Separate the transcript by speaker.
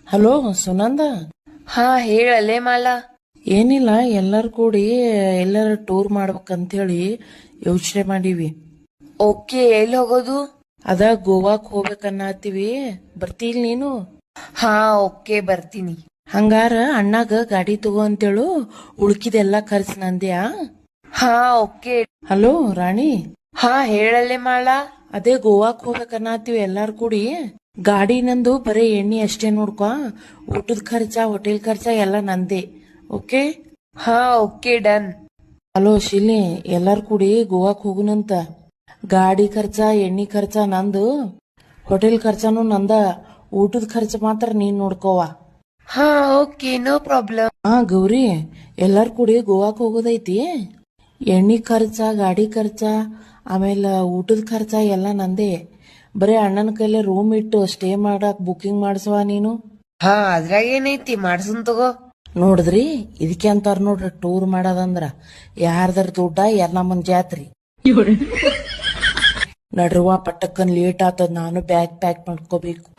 Speaker 1: Hello Sunanda.
Speaker 2: ಹಾ ಹೇಳಲೆ ಮಾಲ.
Speaker 1: ಏನಿಲ್ಲ, ಎಲ್ಲರೂ ಕೂಡಿ ಎಲ್ಲರ ಟೂರ್ ಮಾಡ್ಬೇಕಂತೇಳಿ ಯೋಚನೆ ಮಾಡೀವಿ.
Speaker 2: ಓಕೆ, ಎಲ್ಲಿ ಹೋಗೋದು?
Speaker 1: ಅದ ಗೋವಾಕ್ ಹೋಗ್ಬೇಕನ್ನತ್ತೀವಿ. ಬರ್ತೀಲ್ ನೀನು?
Speaker 2: ಹಾ ಓಕೆ ಬರ್ತೀನಿ.
Speaker 1: ಹಂಗಾರ ಅಣ್ಣಾಗ ಗಾಡಿ ತಗೋ ಅಂತೇಳು, ಉಳ್ಕಿದೆಲ್ಲಾ ಖರ್ಚು ನಂದ್ಯಾ.
Speaker 2: ಹಾ ಓಕೆ.
Speaker 1: ಹಲೋ ರಾಣಿ.
Speaker 2: ಹಾ ಹೇಳಲೆ ಮಾಲ.
Speaker 1: ಅದೇ ಗೋವಾಕ್ ಹೋಗ್ಬೇಕನ್ನತ್ತೀವಿ ಎಲ್ಲಾರು ಕೂಡಿ. ಗಾಡಿ ನಂದು ಬರೀ ಎಣ್ಣೆ ಅಷ್ಟೇ ನೋಡ್ಕೊ, ಊಟದ ಖರ್ಚ ಹೋಟೆಲ್ ಖರ್ಚ ಎಲ್ಲ ನಂದೇ. ಓಕೆ?
Speaker 2: ಹಾ ಓಕೆ ಡನ್.
Speaker 1: ಹಲೋ ಶಿಲಿ, ಎಲ್ಲಾರು ಕೂಡಿ ಗೋವಾಕ್ ಹೋಗುನಂತ. ಗಾಡಿ ಖರ್ಚ ಎಣ್ಣೆ ಖರ್ಚ ನಂದು, ಹೋಟೆಲ್ ಖರ್ಚನೂ ನಂದ, ಊಟದ ಖರ್ಚ ಮಾತ್ರ ನೀನ್ ನೋಡ್ಕೋವ.
Speaker 2: ಹಾ ಓಕೆ, ನೋ ಪ್ರಾಬ್ಲಮ್.
Speaker 1: ಹಾ ಗೌರಿ, ಎಲ್ಲಾರು ಕೂಡಿ ಗೋವಾಕ್ ಹೋಗೋದೈತಿ. ಎಣ್ಣೆ ಖರ್ಚ, ಗಾಡಿ ಖರ್ಚ, ಆಮೇಲೆ ಊಟದ ಖರ್ಚ ಎಲ್ಲ ನಂದೇ. ಬರೀ ಅಣ್ಣನ ಕೈಲೇ ರೂಮ್ ಇಟ್ಟು ಸ್ಟೇ ಮಾಡಕ್ ಬುಕಿಂಗ್ ಮಾಡ್ಸವ ನೀನು.
Speaker 2: ಹಾ ಅದ್ರಾಗ ಏನೈತಿ, ಮಾಡ್ಸನ್ ತಗೋ.
Speaker 1: ನೋಡಿದ್ರಿ, ಇದಕ್ಕೆ ಅಂತಾರ ನೋಡ್ರಿ ಟೂರ್ ಮಾಡೋದಂದ್ರ. ಯಾರ್ದಾರ ದುಡ್ಡ ನಮ್ಮನ್ ಜಾತ್ರಿ. ನಡ್ರುವ ಪಟ್ಟಕ್ಕನ್ ಲೇಟ್ ಆತದ, ನಾನು ಬ್ಯಾಗ್ ಪ್ಯಾಕ್ ಮಾಡ್ಕೋಬೇಕು.